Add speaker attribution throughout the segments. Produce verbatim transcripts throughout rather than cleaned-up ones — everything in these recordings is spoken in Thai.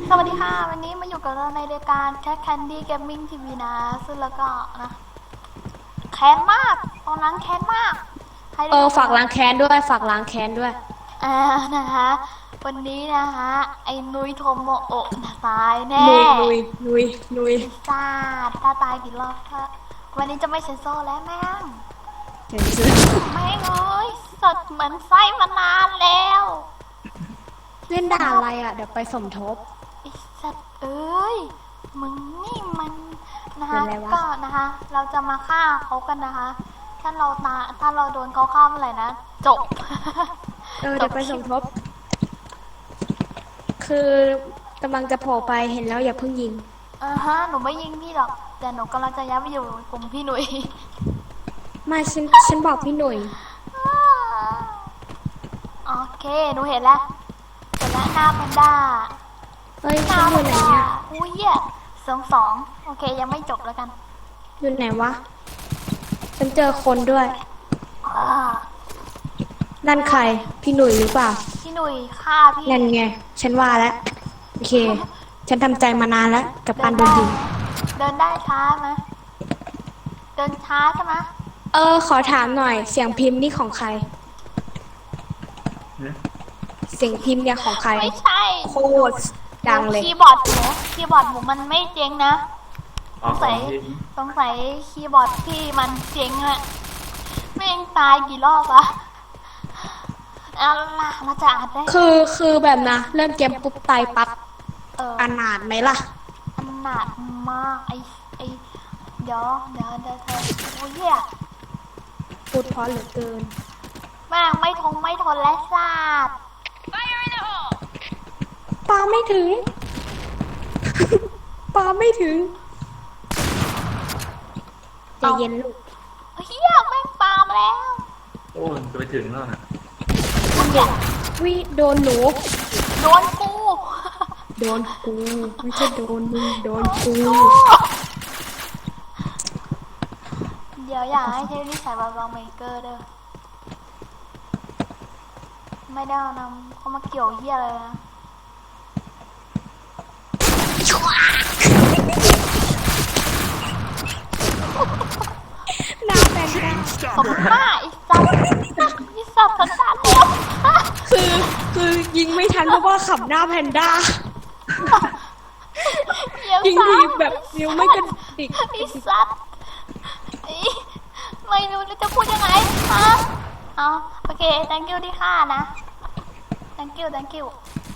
Speaker 1: สวัสดีค่ะวันนี้มาอยู่กับเราในรายการ Cat Candy Gaming ที วี นะซึ่งแล้วก็นะแค้นมากตอนนั้นแค้นมาก
Speaker 2: เออฝากล้างแค้นด้วยฝากล้างแค้นด้วย
Speaker 1: อ่านะคะวันนี้นะคะไอ้นุยโทโมโอะตายแน่
Speaker 2: นุยนุยนุยนุย
Speaker 1: ซาดถ้าตายกี่รอบถ้าวันนี้จะไม่เซนโซแล้วแม่ง
Speaker 2: เห็นซื้อ
Speaker 1: ไม่เลยสดเหมือนไส้มานานแล้ว
Speaker 2: เล่นด่าอะไรอ่ะเดี๋ยวไปสมทบ
Speaker 1: ไอ้สัตว์เอ้ยมึงนี่มันนะคะก็นะคะเราจะมาฆ่าเขากันนะคะถ้าเราตาถ้าเราโดนเขาฆ่าเมื่อไหร่นะจบ
Speaker 2: เออเดี๋ยวไปสมทบคือกำลังจะโผล่ไปเห็นแล้วอย่าเพิ่งยิง
Speaker 1: อ่าฮะหนูไม่ยิงพี่หรอกแต่หนูกำลังจะย้ายไปอยู่กลุ่มพี่หนุ่ย
Speaker 2: ไม่ฉันฉันบอกพี่หนุ่ย
Speaker 1: โอเคหนูเห็นแล้วเห็นแล้วหน้าแพนด้า
Speaker 2: เฮ้ยฉันอยู่ไหนเนี่ย
Speaker 1: อุ้ยอ่ะสองสองโอเคยังไม่จบแล้วกัน
Speaker 2: อยู่ไหนวะฉันเจอคนด้วยนั่นใครพี่หนุ่ยหรือเปล่า
Speaker 1: พี่หนุ่ยฆ่าพี่
Speaker 2: นั่นไงฉันว่าแล้วโอเคฉันทำใจมานานแล้วกับการโดนยิง
Speaker 1: เดินได้ช้าไหมเดินช้าใช่ไหม
Speaker 2: เออขอถามหน่อยเสียงพิมพ์นี่ของใครเสียงพิมพ์เนี่ยของใคร
Speaker 1: ไม่ใช่
Speaker 2: โคตรดังเลย
Speaker 1: คีย์บอร์ดหนูคีย์บอร์ดหนูมันไม่เจ๊งนะสงสัยสงสัยคีย์บอร์ดพี่มันเจ๊งอะไม่เองตายกี่รอบอะเอาล่ะเราจะอ่านได้
Speaker 2: คือคือแบบนะเริ่มเกมปุ๊บตายปั๊บ
Speaker 1: เออ
Speaker 2: อนาถไหมล่ะ
Speaker 1: อนาถมากไอไอเดี๋ยวเดี๋ยวเดี๋ยวเธอโอ้ยเนี่ย
Speaker 2: พูดเพราะเหลือเกิน
Speaker 1: แม่งไม่ทงไม่ทนและซาด
Speaker 2: ปาไม่ถึงปาไม่ถึงใจเย็นลูก
Speaker 1: เฮียแม่งปามาแล้ว
Speaker 3: โอ้จะไปถึงแล้วนะ
Speaker 2: วิโดนหนู
Speaker 1: โดนกู
Speaker 2: โดนกูไม่ใช่โดนมึงโดนกู
Speaker 1: เดี๋ยวอยากให้เทปนี้ใส่บาร์บาเมเกอร์เด้อไม่ได้นำเขามาเกี่ยวเหี้ยเลยนะ
Speaker 2: น้าแบนด้า
Speaker 1: ผมบ้าอีสัตว์อีสัตว์สันดานแล้ว
Speaker 2: คือคือยิงไม่ทันเพราะว่าขับหน้าแพนด้ายิงทีแบบนิ้วไม่กระดิก
Speaker 1: อีสัตว์ไม่รู้จะพูดยังไงฮะเอาโอเค thank you ที่ฆ่านะ thank you thank you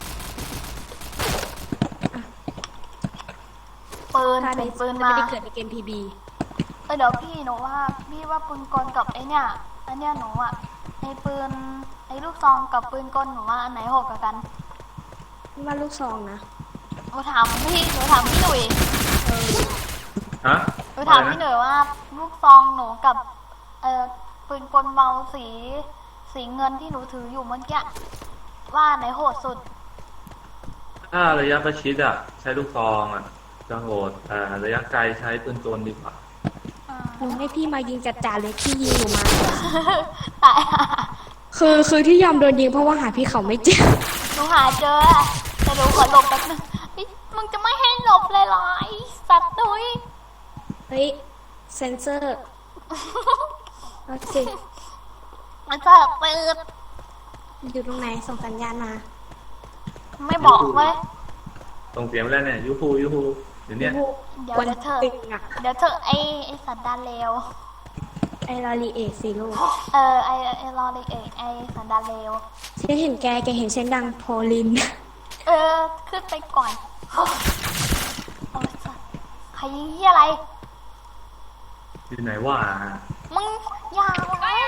Speaker 1: ปืนใส่ปืนมา
Speaker 2: ไม่ได้เกิดในเกม พี บี
Speaker 1: เออเดี๋ยวพี่หนูว่าพี่ว่าปืนกลกับไอเนี่ยอันเนี้ยหนูอ่ะไอปืนไอลูกซองกับปืนกลหนูว่าอันไหนโหดกว่ากัน
Speaker 2: ว่าลูกซองนะ
Speaker 1: หนูถามพี่หนูถามพี่หนุ่ย
Speaker 3: ฮะ
Speaker 1: หนูถามพี่หนุ่ยว่าลูกซองหนูกับเออปืนกลเบาสีสีเงินที่หนูถืออยู่เมื่อกี้ว่าไหนโหดสุด
Speaker 3: ถ้าระยะประชิดอ่ะใช้ลูกซองอ่ะจะโหดแต่ระยะไกลใช้ปืนโจรดีกว่า
Speaker 2: หนูให้พี่มายิงจัดจ่าเลยพี่ยิงหนูมา
Speaker 1: ตาย
Speaker 2: คือคือที่ยอมโดนยิงเพราะว่าหาพี่เขาไม่เจอ
Speaker 1: หนูหาเจอแต่หนูขอหลบแป๊บนึงมึงจะไม่ให้หลบเลยเหรอไอสัตว์ดุย
Speaker 2: เฮ้ยเซนเซอร์โอเค
Speaker 1: มันจะเปิด
Speaker 2: อยู่ตรงไหนส่งสัญญาณมา
Speaker 1: ไม่บอกเลย
Speaker 3: ส่งเสียงแล้วเนี่ยยูฮูยูฮูเดี๋ยวนี้
Speaker 1: เดี๋ยวเธอเดี๋ยวเธอไอไอสัตว์ดานเลว
Speaker 2: ไอลอรีเอกสิลูก
Speaker 1: เออไอไอลอรีเอกไอสัตว์ดานเลว
Speaker 2: ฉันเห็นแกแกเห็นเส้นดังโพลิน
Speaker 1: เออขึ้นไปก่อนโอ้ยสัตว์ใครยิงที่อะไร
Speaker 3: อยู่ไหนวะ
Speaker 1: มึงอย่าไว้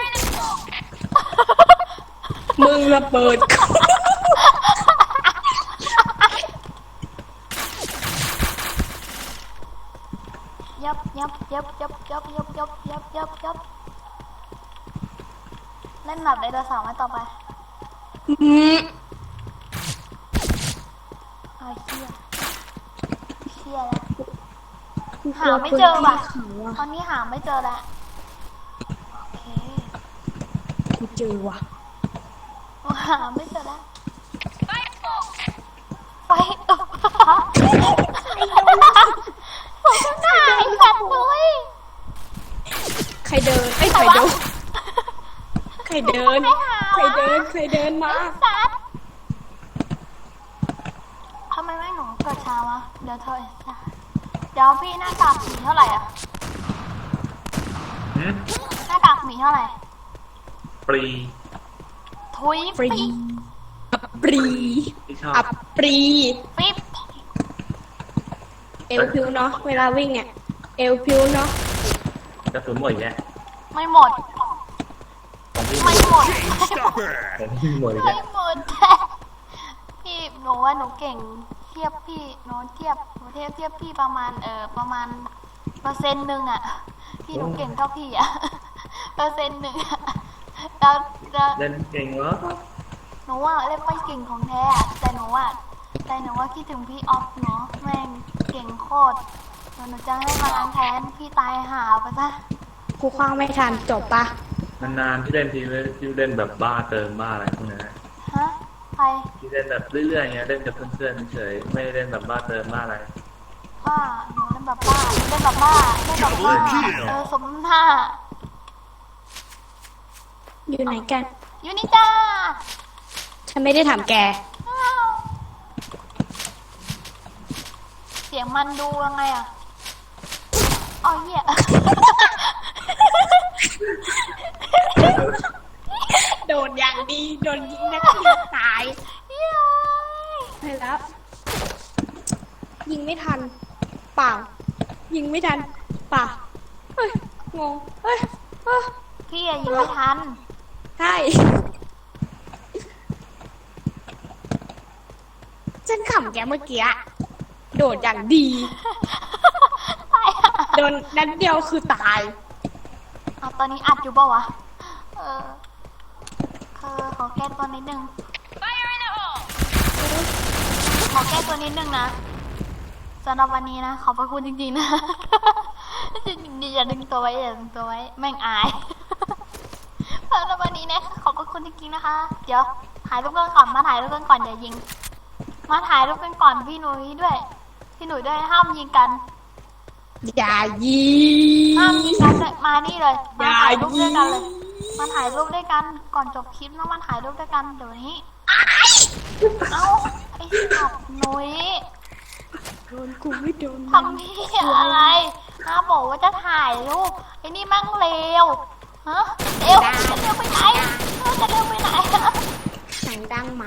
Speaker 2: มึงระเบิด
Speaker 1: ยับยับยับยับยับยับยับยับยับยับเล่นหนับได้ตัวสามมาต่อไป
Speaker 2: อืม
Speaker 1: ไอ้เชี่ยเชี่ยแล้วหาไม่เจอว่ะตอนนี้หาไม่เจอแล้วโอเค
Speaker 2: กูเจอว่ะ
Speaker 1: หาไม่เจอแล้วไปผมข้างหน้าไอ้สัตว์นุ้ย
Speaker 2: ใครเดินไอ้ยใครเดินใครเดินใครเดินใครเดินมา
Speaker 1: ไอ้สัตว์ทำไมไม่หนูเกิดช้าวะเดี๋ยวเธอไอ้สัตว์เดี๋ยวพี่หน้ากากหมีเท่าไหร่อะ
Speaker 3: หืม
Speaker 1: หน้ากากหมีเท่าไหร่
Speaker 3: ปรี
Speaker 1: ทุย
Speaker 2: ปรี
Speaker 1: ปิ๊บ
Speaker 2: อับปรี
Speaker 3: ที่ชอบ
Speaker 2: อับปรี
Speaker 1: ปิ๊บ
Speaker 2: เอวพิวเนาะเวลาวิ่งเนี่ยเอวพิวเนาะ
Speaker 3: กระสุนหมดแยะ
Speaker 1: ไม่หมด
Speaker 3: ของพี่
Speaker 1: ไม่หมด
Speaker 4: Stop it!
Speaker 3: ของพี่หมด
Speaker 1: ไม่
Speaker 3: แยะ
Speaker 1: หมด พี่หนูว่าหนูเก่งเทียบพี่หนูเทียบหนูเทียบเทียบพี่ประมาณเออประมาณเปอร์เซ็นต์หนึ่งอะพี่หนูเก่งเท่าพี่อะ เปอร์เซ็นต์หนึ่งอะแล้วแล้ว
Speaker 3: เล่นเก่งเหรอ
Speaker 1: หนูว่าเล่นไม่เก่งของแท้อะแต่หนูว่าแต่หนูว่าคิดถึงพี่ออฟเนาะแม่งเก่งโคตรเดี๋ยวหนูจะให้มาล้างแค้นพี่ตายหาไปซะ
Speaker 2: กูคว้างไม่ทันจบปะ
Speaker 3: นานๆที่เล่นทีที่เล่นแบบบ้าเติมบ้าอะไรพวกนี้
Speaker 1: ฮะใคร
Speaker 3: ที่เล่นแบบเรื่อยๆอย่างเงี้ยเล่นกับเพื่อนๆเฉยๆไม่ได้เล่นแบบบ้าเติมบ้าอะไร
Speaker 1: บ้าหนูเล่นแบบบ้าเล่นแบบบ้าเล่นแบบบ้าเออสมหน้า
Speaker 2: อยู่ไหนกัน
Speaker 1: อยู่นี่จ้า
Speaker 2: ฉันไม่ได้ถามแก
Speaker 1: อ้าวเสียงมันดูยังไงอะอ๋อเหี้ย
Speaker 2: โดนอย่างดีโดนยิงนักเรียนตาย
Speaker 1: เหี้ย
Speaker 2: ไปแล้ว ยิงไม่ทันเปล่า ยิงไม่ทันเปล่าเฮ้ยงงเฮ้ยเอ้อ
Speaker 1: พี่อะยิงไม่ทัน
Speaker 2: ใช่ฉันขำแกเมื่อกี้อะโดดอย่างดี
Speaker 1: ตายอะ
Speaker 2: โดนนัดเดียวคือตาย
Speaker 1: เอาตอนนี้อัดอยู่เปล่าวะ เออคือขอแก้ตัวนิดนึง ขอแก้ตัวนิดนึงนะสำหรับวันนี้นะ ขอบพระคุณจริงๆนะ อย่าดึงตัวไว้อย่าดึงตัวไว้ แม่งอาย สำหรับวันนี้นะขอบพระคุณจริงๆนะคะ เดี๋ยวถ่ายรูปกันก่อนมาถ่ายรูปกันก่อนอย่ายิง มาถ่ายรูปกันก่อนพี่หนุ่ยด้วย พี่หนุ่ยด้วยห้ามยิงกัน
Speaker 2: อย่ายิ
Speaker 1: ห้าม
Speaker 2: ง
Speaker 1: ยิงกันเลยมานี่เลย
Speaker 2: อ
Speaker 1: มา
Speaker 2: ย่า
Speaker 1: ถ่ายรูป
Speaker 2: ยิ
Speaker 1: ด้วย
Speaker 2: ง
Speaker 1: กันเลย มาถ่ายรูปด้วยกันก่อนจบคลิปแล้วมาถ่ายรูปด้วยกันเดี๋ยวนี้ เอ้าไอ้สัตว์หนุ่ย
Speaker 2: โดนกูไม่โดน
Speaker 1: ทำพี่อะไรน้าบอกว่าจะถ่ายรูปไอ้นี่มั่งเลวฮะเร็วจะเร็วไปไหนเออจะเร็วไปไหน
Speaker 2: เสียงดังหมา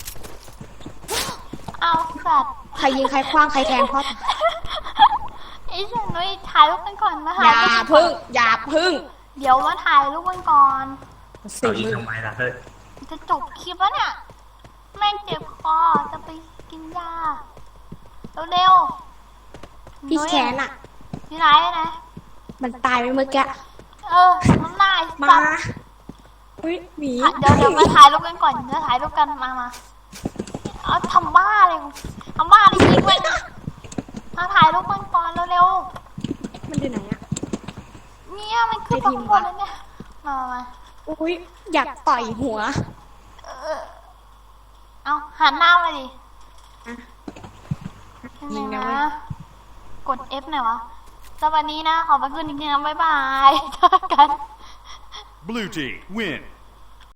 Speaker 1: เอาสัตว์
Speaker 2: ใครยิงใครคว้างใครแทงพ่อ
Speaker 1: ไอ้สัตว์หนุ่ยถ่ายรูปกันก่อนมา
Speaker 2: อ
Speaker 1: ถ่าย
Speaker 2: ย่า
Speaker 1: รูปกันก่อน
Speaker 2: พึ่ง อย่าพึ่ง
Speaker 1: เดี๋ยวมาถ่ายรูปกันก่อน
Speaker 2: สิ
Speaker 3: เอายิง
Speaker 2: มึง
Speaker 3: ทำไมล่ะเฮ้ย
Speaker 1: จะจบคลิปแล้วเนี่ยแม่งเจ็บคอจะไปกินยาเร็วๆ
Speaker 2: พี่
Speaker 1: หนุ่ย
Speaker 2: แขนอ่ะ
Speaker 1: ที่ไหนนะ
Speaker 2: มันตายไปเมื่อกี้
Speaker 1: เออน้ำลาย
Speaker 2: มา
Speaker 1: สัตว์
Speaker 2: อุ้ยหมี
Speaker 1: เดี๋ยวเดี๋ยวมาถ่ายรูปกันก่อนจะถ่ายรูปกันมามาเอาทำบ้าเลยทำบ้าเลยยิงมันมาถ่ายรูปกันก่อนเร็ว
Speaker 2: มันอยู่ไหนอ่ะ
Speaker 1: ๆเนี่ยมันขึ้นมาข้างบนแล้วเนี่ยมามามา
Speaker 2: อุ้ยอยากต่อยหัว
Speaker 1: เออเอาหันหน้ามาดิ
Speaker 2: อ่ะ
Speaker 1: ยัง
Speaker 2: ยิง
Speaker 1: ไง
Speaker 2: นะเว้ย
Speaker 1: นะกด F หน่อยวะสวัสดีนะขอบพระคุณจริงๆนะบ๊ายบายเจอกัน
Speaker 4: Blue team, win.